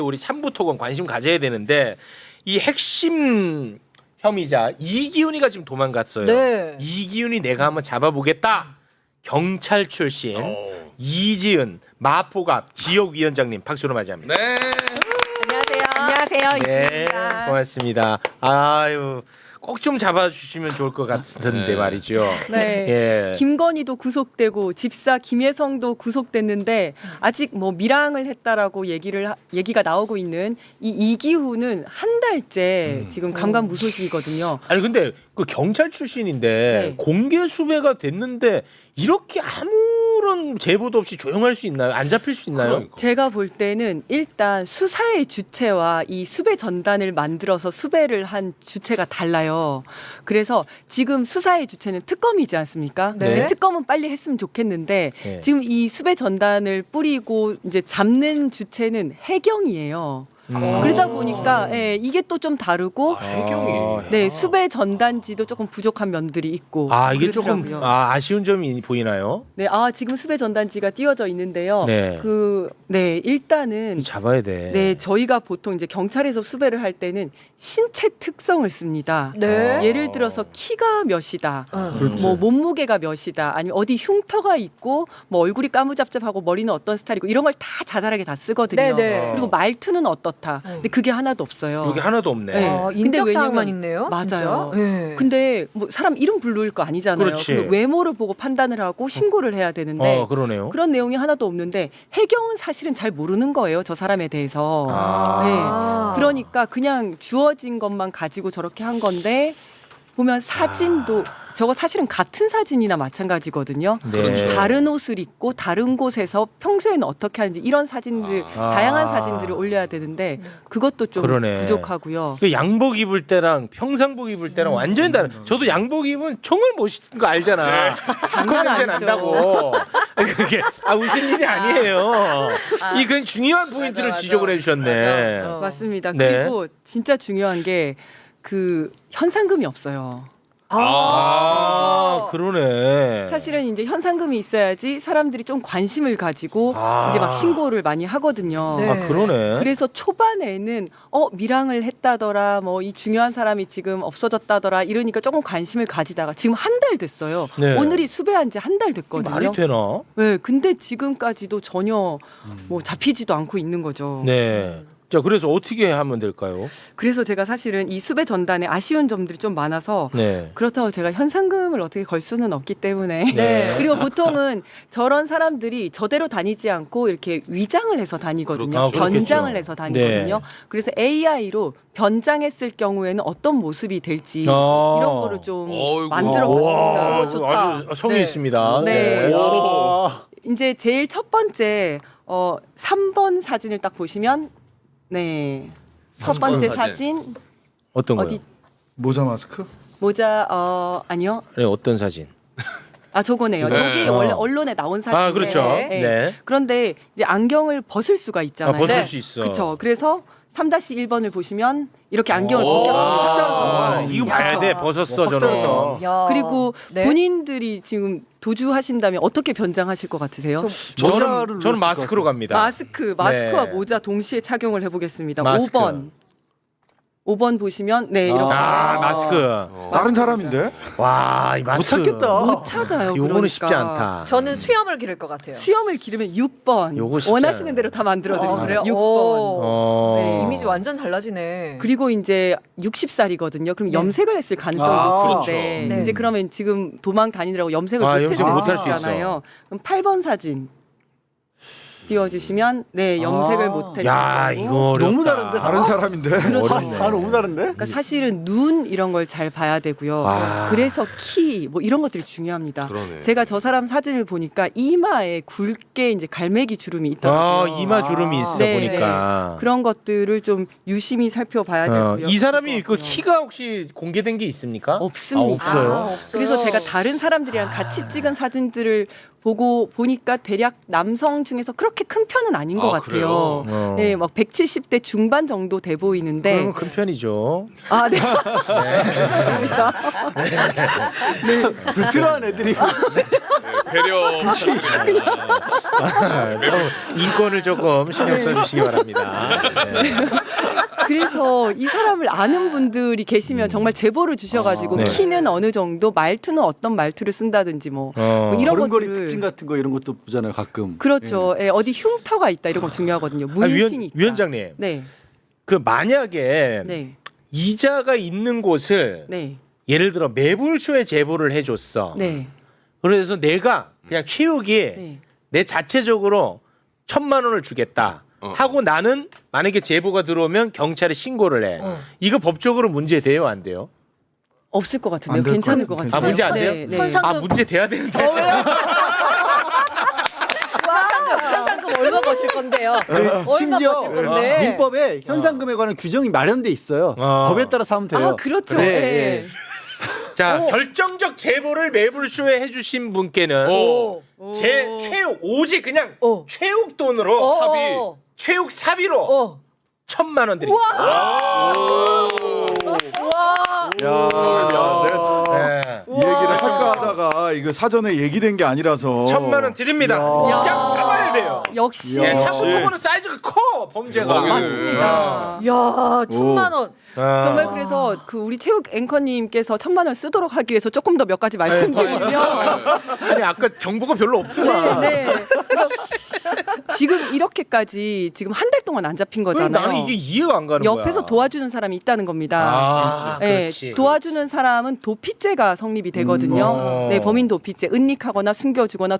우리 삼부토건 관심 가져야 되는데 이 핵심 혐의자 이기훈이가 지금 도망갔어요. 네. 이기훈이 내가 한번 잡아보겠다. 경찰 출신 이지은 마포갑 지역위원장님 박수로 맞이합니다. 네. 안녕하세요. 네, 이지입니다. 고맙습니다. 아유, 꼭 좀 잡아주시면 좋을 것 같은데 네. 말이죠. 네. 예. 김건희도 구속되고 집사 김혜성도 구속됐는데 아직 뭐 밀항을 했다라고 얘기가 나오고 있는 이 이기훈은 한 달째 지금 감감무소식이거든요. 아니 근데 그 경찰 출신인데 네. 공개 수배가 됐는데 이렇게 아무런 제보도 없이 조용할 수 있나요? 안 잡힐 수 있나요? 그러니까. 제가 볼 때는 일단 수사의 주체와 이 수배 전단을 만들어서 수배를 한 주체가 달라요. 그래서 지금 수사의 주체는 특검이지 않습니까? 네. 근데 특검은 빨리 했으면 좋겠는데 네. 지금 이 수배 전단을 뿌리고 이제 잡는 주체는 해경이에요. 그러다 보니까 예, 이게 또 좀 다르고 해경이. 네 수배 전단지도 조금 부족한 면들이 있고 아 이게 조금 그렇더라고요. 아쉬운 점이 보이나요? 네, 지금 수배 전단지가 띄워져 있는데요. 네. 일단은 잡아야 돼. 네, 저희가 보통 이제 경찰에서 수배를 할 때는 신체 특성을 씁니다. 네. 예를 들어서 키가 몇이다. 그렇지. 뭐 몸무게가 몇이다. 아니면 어디 흉터가 있고 뭐 얼굴이 까무잡잡하고 머리는 어떤 스타일이고 이런 걸 다 자잘하게 다 쓰거든요. 네네. 그리고 말투는 어떻다. 근데 그게 하나도 없어요. 여기 하나도 없네. 네. 아, 근데 인적 사항만 왜냐면- 있네요. 맞아요. 진짜? 네. 근데 뭐 사람 이름 부를 거 아니잖아요. 그렇지. 근데 외모를 보고 판단을 하고 신고를 해야 되는데 그러네요. 그런 내용이 하나도 없는데 해경은 사실은 잘 모르는 거예요. 저 사람에 대해서. 아. 그러니까 그냥 주어진 것만 가지고 저렇게 한 건데 보면 사진도 저거 사실은 같은 사진이나 마찬가지거든요. 네. 그렇죠. 다른 옷을 입고 다른 곳에서 평소에는 어떻게 하는지 이런 사진들 다양한 사진들을 올려야 되는데 그것도 좀 그러네. 부족하고요. 그 양복 입을 때랑 평상복 입을 때랑 완전히 다른. 저도 양복 입으면 총을 못 쏘는 거 알잖아. 장난 냄새 아니죠. 난다고. 그게 웃을 일이 아니에요. 이 그런 중요한 포인트를 맞아. 지적을 해주셨네. 맞아. 맞습니다. 네. 그리고 진짜 중요한 게 그 현상금이 없어요. 그러네. 사실은 이제 현상금이 있어야지 사람들이 좀 관심을 가지고 이제 막 신고를 많이 하거든요. 네. 그러네. 그래서 초반에는 밀항을 했다더라, 뭐 이 중요한 사람이 지금 없어졌다더라 이러니까 조금 관심을 가지다가 지금 한 달 됐어요. 네. 오늘이 수배한 지 한 달 됐거든요. 말이 되나? 네, 근데 지금까지도 전혀 뭐 잡히지도 않고 있는 거죠. 네. 자, 그래서 어떻게 하면 될까요? 그래서 제가 사실은 이 수배 전단에 아쉬운 점들이 좀 많아서 네. 그렇다고 제가 현상금을 어떻게 걸 수는 없기 때문에 네. 그리고 보통은 저런 사람들이 저대로 다니지 않고 이렇게 위장을 해서 다니거든요. 그렇겠죠. 변장을 그렇겠죠. 해서 다니거든요. 네. 그래서 AI로 변장했을 경우에는 어떤 모습이 될지 이런 거를 좀 어이구. 만들어봤습니다. 와, 좋다. 아주 성의 네. 있습니다. 네. 와. 이제 제일 첫 번째 3번 사진을 딱 보시면 네. 첫 삼번 번째 사진. 사진 어떤 거요? 어디 모자 마스크? 모자 아니요. 네, 어떤 사진? 저거네요. 네. 저게 원래 언론에 나온 사진이에요. 그렇죠. 네. 네. 그런데 이제 안경을 벗을 수가 있잖아요. 벗을 네. 수 있어. 그렇죠. 그래서 3-1번을 보시면 이렇게 안경을 벗겼습니다. 이거 봐야 돼. 벗었어, 확 저는. 다르다. 야. 그리고 네. 본인들이 지금 도주하신다면 어떻게 변장하실 것 같으세요? 모자를 저는 넣었을 마스크로 것 갑니다. 마스크와 네. 모자 동시에 착용을 해보겠습니다. 마스크. 5번 보시면 네 이렇게 마스크. 다른 사람인데? 와, 이 마스크. 못 찾겠다. 못 찾아요. 요거는 그러니까. 쉽지 않다. 저는 수염을 기를 것 같아요. 수염을 기르면 6번 요거 쉽지 원하시는 않아요. 대로 다 만들어드립니다. 그래요? 6번. 오. 네, 이미지 완전 달라지네. 그리고 이제 60살이거든요. 그럼 네. 염색을 했을 가능성이 그렇죠. 높은데 네. 이제 그러면 지금 도망 다니느라고 염색을 염색을 못했을 못할 수 수 있어. 있잖아요. 그럼 8번 사진 띄워주시면 네 염색을 못했을 야, 거고. 이거 어렵다. 너무 다른데? 다른 사람인데? 어렵네. 다 너무 다른데? 그러니까 사실은 눈 이런 걸 잘 봐야 되고요. 아. 그래서 키 뭐 이런 것들이 중요합니다. 그러네. 제가 저 사람 사진을 보니까 이마에 굵게 이제 갈매기 주름이 있더라고요. 이마 주름이 있어 네. 보니까. 그런 것들을 좀 유심히 살펴봐야 되고요. 이 사람이 그 그럴 것 같고요. 키가 혹시 공개된 게 있습니까? 없습니다. 없어요. 없어요. 그래서 제가 다른 사람들이랑 같이 찍은 사진들을 보니까 대략 남성 중에서 그렇게 큰 편은 아닌 것 같아요. 그래요? 네, 막 170대 중반 정도 돼 보이는데 그러면 큰 편이죠. 네. 불필요한 애들이 배려. 인권을 조금 신경 써주시기 바랍니다. 네. 그래서 이 사람을 아는 분들이 계시면 정말 제보를 주셔가지고 네. 키는 어느 정도, 말투는 어떤 말투를 쓴다든지 뭐 이런 걸음걸이 것들을 특징 같은 거 이런 것도 보잖아요 가끔. 그렇죠. 예, 어디 흉터가 있다 이런 거 중요하거든요. 문신이 있다. 위원장님, 네, 그 만약에 네, 이자가 있는 곳을 네, 예를 들어 매불쇼에 제보를 해줬어. 네, 그래서 내가 그냥 최욱이 네. 내 자체적으로 1,000만 원을 주겠다 하고 나는 만약에 제보가 들어오면 경찰에 신고를 해. 이거 법적으로 문제 돼요, 안 돼요? 없을 것 안 같은데요. 될 괜찮을 것 것 같아요. 같아요. 아, 문제 안 돼요? 네, 네. 현상- 아, 문제 돼야 되는데. 현상금 얼마 버실 건데요? 얼마 네, 심지어 버실 건데? 민법에 현상금에 관한 규정이 마련돼 있어요. 어. 법에 따라 사면 돼요. 아, 그렇죠. 네, 예. 네. 자, 결정적 제보를 매불쇼에 해주신 분께는 오. 제 최욱 오직 그냥 오. 최욱 돈으로 어. 최욱 사비로 어. 1,000만 원 드리겠습니다. 와. 야, 네. 이 얘기를 할까 하다가 이거 사전에 얘기된 게 아니라서 1,000만 원 드립니다. 야. 이장 잡아야 돼요. 역시 예, 역시. 사고보고는 사이즈가 커 범죄가. 맞습니다. 야, 1,000만 원. 아. 정말 그래서 그 우리 체육 앵커님께서 1,000만 원 쓰도록 하기 위해서 조금 더 몇 가지 말씀드리면 아니 아까 정보가 별로 없구만. 네. 그러니까 지금 이렇게까지 지금 한 달 동안 안 잡힌 왜 거잖아요. 나는 이게 이해가 안 가는 거야. 옆에서 도와주는 사람이 있다는 겁니다. 아, 네, 그렇지. 도와주는 사람은 도피죄가 성립이 되거든요. 네, 범인 도피죄, 은닉하거나 숨겨주거나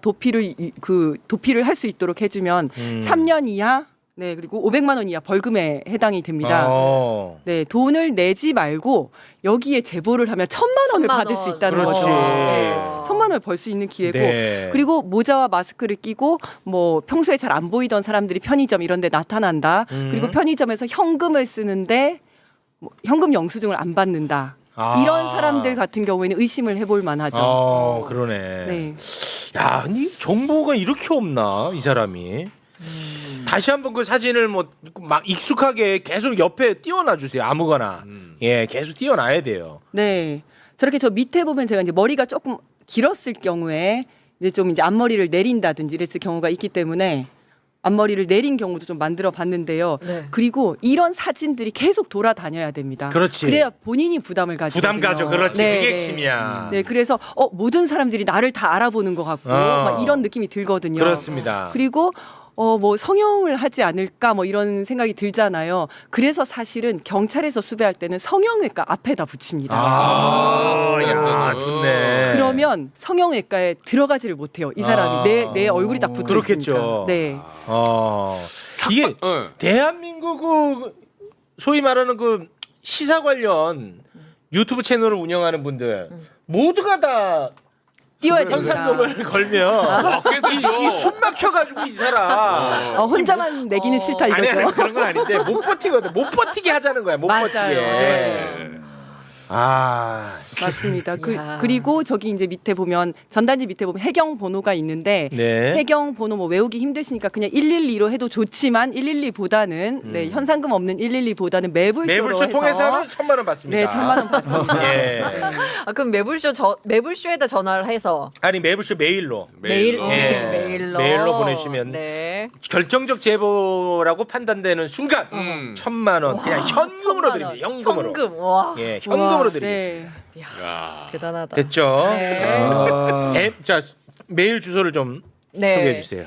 도피를 할 수 있도록 해주면 3년 이하, 네 그리고 500만 원 이하 벌금에 해당이 됩니다. 네, 돈을 내지 말고 여기에 제보를 하면 1,000만 원을 1,000만 받을 수 원. 있다는 그렇지. 거죠. 네, 1,000만 원을 벌 수 있는 기회고. 네. 그리고 모자와 마스크를 끼고 뭐 평소에 잘 안 보이던 사람들이 편의점 이런 데 나타난다. 그리고 편의점에서 현금을 쓰는데 뭐 현금 영수증을 안 받는다. 이런 사람들 같은 경우에는 의심을 해볼 만하죠. 그러네. 네. 야, 아니 정보가 이렇게 없나 이 사람이? 다시 한번 그 사진을 뭐 막 익숙하게 계속 옆에 띄워놔 주세요. 아무거나. 예, 계속 띄워놔야 돼요. 네. 저렇게 저 밑에 보면 제가 이제 머리가 조금 길었을 경우에 이제 좀 이제 앞머리를 내린다든지 이랬을 경우가 있기 때문에 앞머리를 내린 경우도 좀 만들어 봤는데요. 네. 그리고 이런 사진들이 계속 돌아다녀야 됩니다. 그렇지. 그래야 본인이 부담을 가지고 부담 가져. 그렇지. 그게 핵심이야. 네, 그래서 모든 사람들이 나를 다 알아보는 것 같고 막 이런 느낌이 들거든요. 그렇습니다. 그리고 뭐 성형을 하지 않을까 뭐 이런 생각이 들잖아요. 그래서 사실은 경찰에서 수배할 때는 성형외과 앞에다 붙입니다. 야, 좋네. 그러면 성형외과에 들어가지를 못해요. 이 사람이 내 얼굴이 딱 붙어 그렇겠죠. 있으니까. 네. 이게 대한민국 그 소위 말하는 그 시사 관련 유튜브 채널을 운영하는 분들 모두가 다 띄워야 됩니다. 현상금을 걸면 맞게 되죠. 이숨 막혀가지고 이 사람 혼자만 내기는 싫다 아니 이거죠. 그런 건 아닌데 못 버티거든. 못 버티게 하자는 거야. 못 맞아요. 버티게. 네. 맞습니다. 야. 그리고 저기 이제 밑에 보면 전단지 밑에 보면 해경 번호가 있는데 네. 해경 번호 뭐 외우기 힘드시니까 그냥 112로 해도 좋지만 112보다는 네, 현상금 없는 112보다는 매불쇼로 매불쇼 해서 통해서는 1,000만 원 받습니다. 네, 1,000만 원 받습니다. 예. 그럼 매불쇼에다 전화를 해서 아니 매불쇼 메일로 메일로 메일로 보내주시면 네. 결정적 제보라고 판단되는 순간 1,000만 원 그냥 현금으로 1,000만 드립니다. 원. 현금으로. 현금. 와. 예, 현금으로 우와, 드리겠습니다. 네. 대단하다. 됐죠? 네. 아, 자 메일 주소를 좀 소개해 주세요.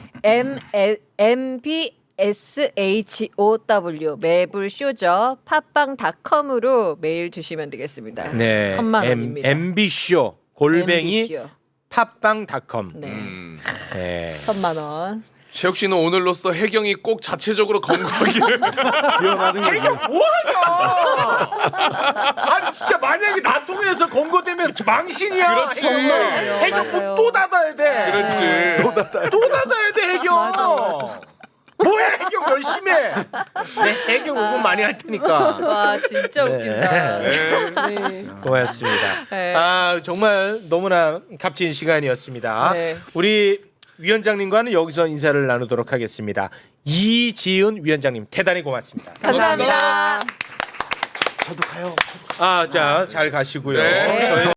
MBSHOW 매불쇼죠. 팟빵닷컴으로 메일 주시면 되겠습니다. 네, 1,000만 원입니다. MB쇼 골뱅이 MB쇼. 팟빵닷컴. 네. 네. 1,000만 원. 최욱 씨는 오늘로써 해경이 꼭 자체적으로 검거하기를. 해경 뭐하냐? 아니 진짜 만약에 나 통해서 검거되면 망신이야. 그렇지. 해경 맞아요. 또 닫아야 돼. 그렇지. 또 닫아야 돼 해경. 맞아. 뭐야 해경 열심히 해. 네, 해경 응원 많이 할 테니까. 와 진짜 네. 웃긴다. 네. 고맙습니다. 네. 아 정말 너무나 값진 시간이었습니다. 네. 우리 위원장님과는 여기서 인사를 나누도록 하겠습니다. 이지은 위원장님 대단히 고맙습니다. 감사합니다. 저도 가요. 자 잘 가시고요. 네. 저희